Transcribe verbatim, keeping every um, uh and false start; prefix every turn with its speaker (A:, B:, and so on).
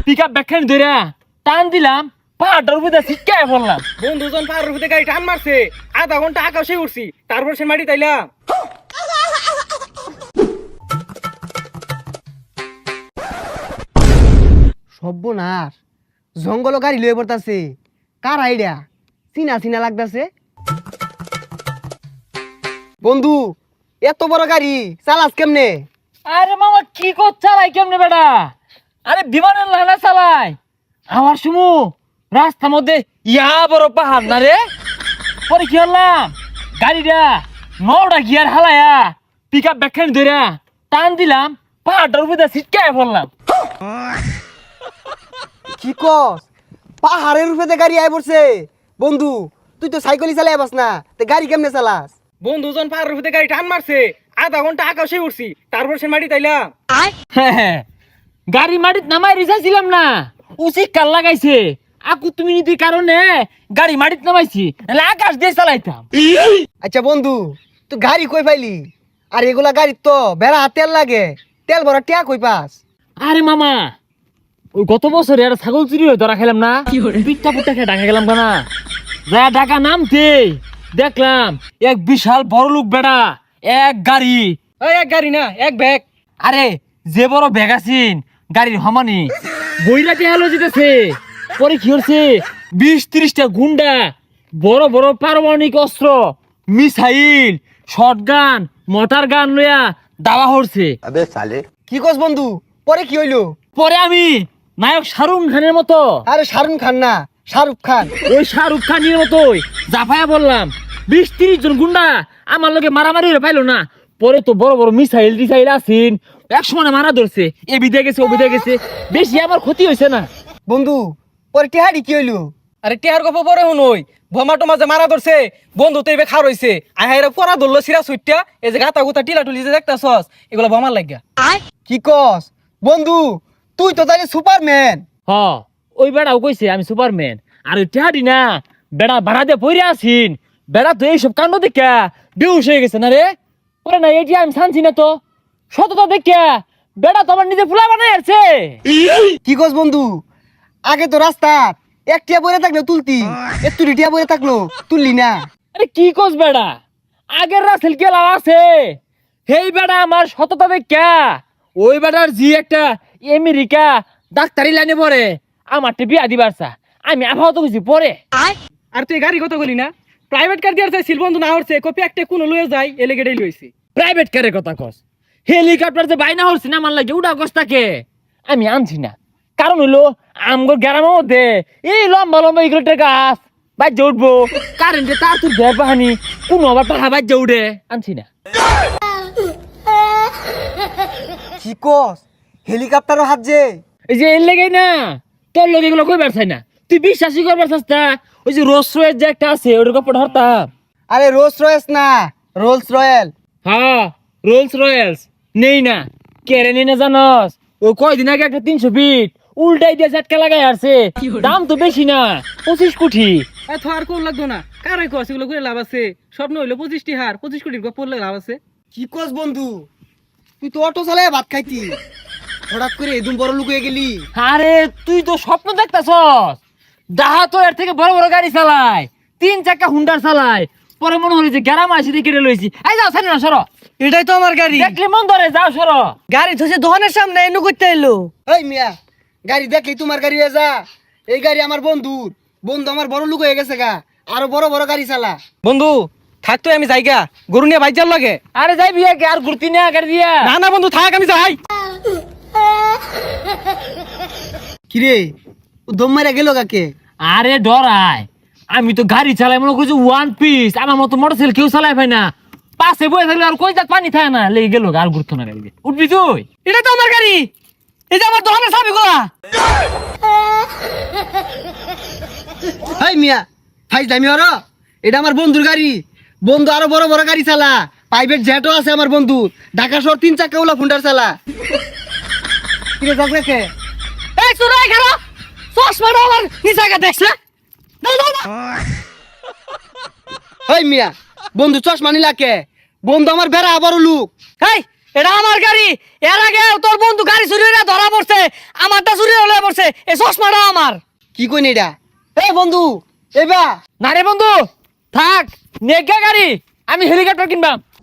A: Pickup ব্যাখ্যান ধরে টান দিলাম, পাহাড়টার উপরে ছিটকায় পড়লাম।
B: বন্ধুজন পাহাড়ের উপরে গাড়ি টান মারছে, আধা ঘন্টা আকাশে উঠছি, তারপর সে মাটি তাইলাম।
C: সর্বনাশ, জঙ্গল গাড়ি লয়ে পড়তাছে। কার আইডিয়া? চিনা চিনা লাগতাছে। বন্ধু, এত বড় গাড়ি চালাস কেমনে?
A: আরে মামা কি কর চালাই কেমনে বেটা? আরে বিমানের লানা চালাই। আমার সুমু রাস্তার মধ্যে ইয়া বড় পাহাড় না রে। পরে কি হলাম, গাড়িটা নটা গিয়ার হালায়া পিকআপ ব্যাখ্যান ধরে টান দিলাম, পাহাড়টার উপরে ছিটকায় পড়লাম।
C: কি কস? পাহাড়ের উপরে গাড়ি আই পড়ছে। বন্ধু, তুই তো সাইকেলই চালাই পাস না, তে গাড়ি কেমনে চালাস?
B: বন্ধুজন পাহাড়ের উপরে গাড়ি টান মারছে, আধা ঘন্টা আকাশে উঠছি, তারপর সে মাটি তাইলাম।
A: গাড়ি মাটিত নামাই রিসাইছিলাম না, উচিত কাল লাগাইছে। আকু তুমি নীতির কারণে গাড়ি মাটিত নামাইছি, নাহলে আকাশ দিয়ে চালাইতাম।
C: আচ্ছা বন্ধু, তুই গাড়ি কই পাইলি? আর এগুলা গাড়ি তো বেড়া তেল লাগে, তেল ভরা টিয়া কই পাস?
A: আরে মামা, ওই গত বছরে একটা ছাগল চুরি হয়ে ধরা খেলাম না, পিঠটা পুটটা খেয়ে ঢাকা গেলাম কেনা। যা ঢাকা নামতে দেখলাম এক বিশাল বড় লোক বেড়া এক গাড়ি।
B: ওই এক গাড়ি না, এক ব্যাগ।
A: আরে যে বড় ব্যাগ আছিন গাড়ির হমানি বইরাতে হেলো যেতেছে। পরে কি হচ্ছে, বিশ ত্রিশটা গুন্ডা বড় বড় পারমাণবিক অস্ত্র, মিসাইল, শটগান, মোটর গান লইয়া দাওয়া হচ্ছে।
C: কি কস বন্ধু? পরে কি হইলো?
A: পরে আমি নায়ক শাহরুখ খানের মতো,
C: আরে শাহরুখ খান না, শাহরুখ খান।
A: ওই শাহরুখ খানের মতোই জাফায়া বললাম। বিশ তিরিশ জন গুন্ডা আমার লোকে মারামারি হয়ে পাইলো না। পরে তো বড় বড় মিসাইল টিসাইল আসিন, এক সময় মারা ধরছে, এ বিদে গেছে ও বিদে গেছে, বেশি আমার ক্ষতি হয়েছে না।
C: বন্ধু, পরে টিহাড়ি কি হইলো?
B: আরে টিহার গপ পরে শুনই, ভমা টমা যে মারা ধরছে, বন্ধু তো এবার খার হইছে, আহাইরা পরা ধরলো সিরা সুইটা, এই যে গাতা গুতা টিলা টুলি যে দেখতাছস, এগুলো ভমার লাগিয়া।
C: কি কস বন্ধু? তুই তো তাহলে সুপারম্যান।
A: হ, ওই বেড়াও কইছে আমি সুপারম্যান। আর ওই টেহাডি না বেড়া ভাড়া দিয়ে পইরে আসিন, বেড়া তো এইসব কাণ্ড দেখা বেহুশ হয়ে গেছে না রে। ওরে না এটি আমি শানছি না তো, সততা দেখা বেড়া তো আমার নিজে ফুলা বানাই আছে।
C: কি কস বন্ধু? আগে তো রাস্তা এক টিয়া বইরে থাকলো তুলতি, একটু টিয়া বইরে থাকলো তুললি না।
A: আরে কি কস বেড়া, আগের রাসেল কেলা আছে, হেই বেড়া আমার সততা দেখা ওই বেড়ার জি একটা আমেরিকা ডাক্তারি লাইনে পড়ে আমার বিয়া দিবার চা, আমি আবহাওয়া তো কিছু পরে।
B: আর তুই গাড়ি কত গলি না, প্রাইভেট কার দিয়ে চাইছিল, বন্ধু না হচ্ছে কপি একটা কোন লয়ে যায়, এলে গেড়েই লইছি।
A: প্রাইভেট কারের কথা কস, হেলিকপ্টার যে বাইনা হচ্ছে না আমার লাগে উড়া কষ্টাকে আমি আনছি না। কারণ হইলো আমগর গ্রামের মধ্যে এই লম্বা লম্বা ইগলেটের গাছ বাজ্যে উঠবো, কারেন্টে তার তুর ঘের বাহানি কোনো আবার পাহা বাজ্যে উঠে, আনছি না।
C: কি কস? হেলিকপ্টারও হাত যে?
A: এই যে এর লেগেই না তোর লোক এগুলো কইবার চাই না, তুই বিশ্বাসই করবার চাস না। ওই যে রোলস রয়েস যে একটা আছে ওটার কাপড় হরতাম।
C: আরে রোলস রয়েস না, রোলস রয়েল।
A: হ্যাঁ রোলস রয়েলস নেই না, কেড়ে নেই না জানস। ও কয়দিন আগে একটা তিনশো ফিট উল্টাই দিয়ে ঝাটকা লাগাই আসছে, দাম তো বেশি না, পঁচিশ কোটি।
B: এত আর কোন লাগতো না, কারাই কস এগুলো করে লাভ আছে, স্বপ্ন হইলো পঁচিশটি হার, পঁচিশ কোটির গপ পড়লে লাভ আছে।
C: কি কস বন্ধু? তুই তো অটো চালায় ভাত খাইতি, হঠাৎ করে এদম বড় লুক হয়ে গেলি।
A: আরে তুই তো স্বপ্ন দেখতাছস, ডাহা তো এর থেকে বড় বড় গাড়ি চালায়, তিন চাকা হুন্ডার চালায়। পরে মনে হলো যে গ্যারাম আসি দিয়ে কেটে লইছি, এই যাও ছাড়ি না সরো,
B: এটাই তো আমার গাড়ি।
A: দেখলে মন ধরে যাও সরো।
B: গাড়ি ধসে দোকানের সামনে এনু করতে এলো।
C: এই মিয়া, গাড়ি দেখলি তোমার গাড়ি হয়ে যা। এই গাড়ি আমার বন্ধুর, বন্ধু আমার বড় লুক হয়ে গেছে গা, আরো বড় বড় গাড়ি চালা।
B: বন্ধু থাকতো আমি যাইগা, গরু নিয়ে বাইজার লাগে।
A: আরে যাই বিয়া কে আর ঘুরতি না গাড়ি দিয়া।
B: না না বন্ধু থাক, আমি যাই।
C: কিরে, ও দম মারা গেল কাকে?
A: আরে ডরাই, আমি তো গাড়ি চালাই মনে করছি ওয়ান পিস, আমার মতো মোটরসাইকেল কেউ চালাই পাই না। পাশে বয়ে থাকলে আর কই যাক পানি থাকে না, লেগে গেল আর ঘুরতো না গাড়ি। উঠবি তুই?
B: এটা তো আমার গাড়ি, এই যে আমার দোকানের চাবি গুলা।
C: হাই মিয়া, ফাইজ দামি হর, এটা আমার বন্ধুর গাড়ি। বন্ধু আরো বড় বড় গাড়ি চালা, প্রাইভেট জেটও আছে আমার বন্ধু, ঢাকা শহর তিন চাকা ওলা ফুন্ডার চালা। কিরে যাক রেখে?
B: এই সুরাই খারা চশমাটা আমার নিচাকে দেখছে।
C: হাই মিয়া, বন্ধু চশমা নিলা কে? বন্ধু আমার বেড়া বড় লুক।
B: এই
D: এটা আমার গাড়ি। এর আগে তোর বন্ধু গাড়ি চুরি হয়ে ধরা পড়ছে, আমারটা চুরি হলে পড়ছে। এই চশমাটা আমার।
C: কি কইন এটা? এই বন্ধু এবা
A: না রে বন্ধু, থাক নেগা গাড়ি, আমি হেলিকপ্টার কিনবাম।